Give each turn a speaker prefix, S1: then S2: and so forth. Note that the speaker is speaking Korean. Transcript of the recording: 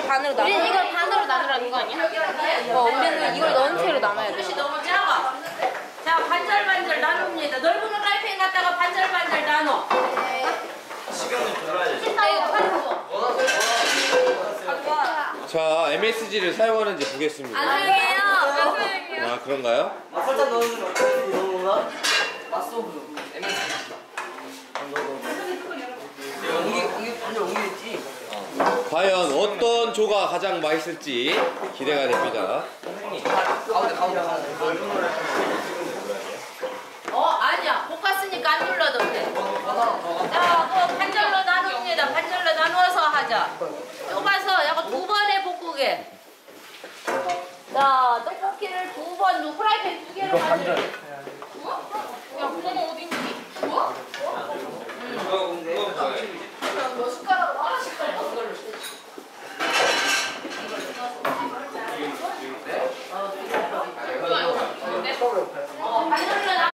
S1: 반으로 나눠.
S2: 우리는 이걸 반으로 나누라는 거 아니야?
S1: 우리는 이걸 넣은 채로 나눠야 돼.
S3: 그릇이 너무 작아. 자, 반절반절 나눕니다. 넓은 프라이팬 갖다가 반절반절 나눠.
S4: 시간을 돌아야지.
S5: 자, MSG를 사용하는지 보겠습니다.
S2: 안 사용해요. 안 사용해요.
S5: 아, 그런가요?
S4: 설탕 넣는 건 어떻게 넣는 건가? 맛소금. 이게 완전 옮기겠지.
S5: 과연 어떤 조가 가장 맛있을지 기대가 됩니다.
S4: 가운데.
S3: 아니야. 볶았으니까 안 눌러도 돼. 자, 그 반절로 나눕니다. 반절로 나누어서 하자. 좁아서 약간 두 번에 볶으게. 자, 떡볶이를 두 번, 프라이팬 두 개로 만들어.
S2: 야, 그거는 어디 있니? 뭐?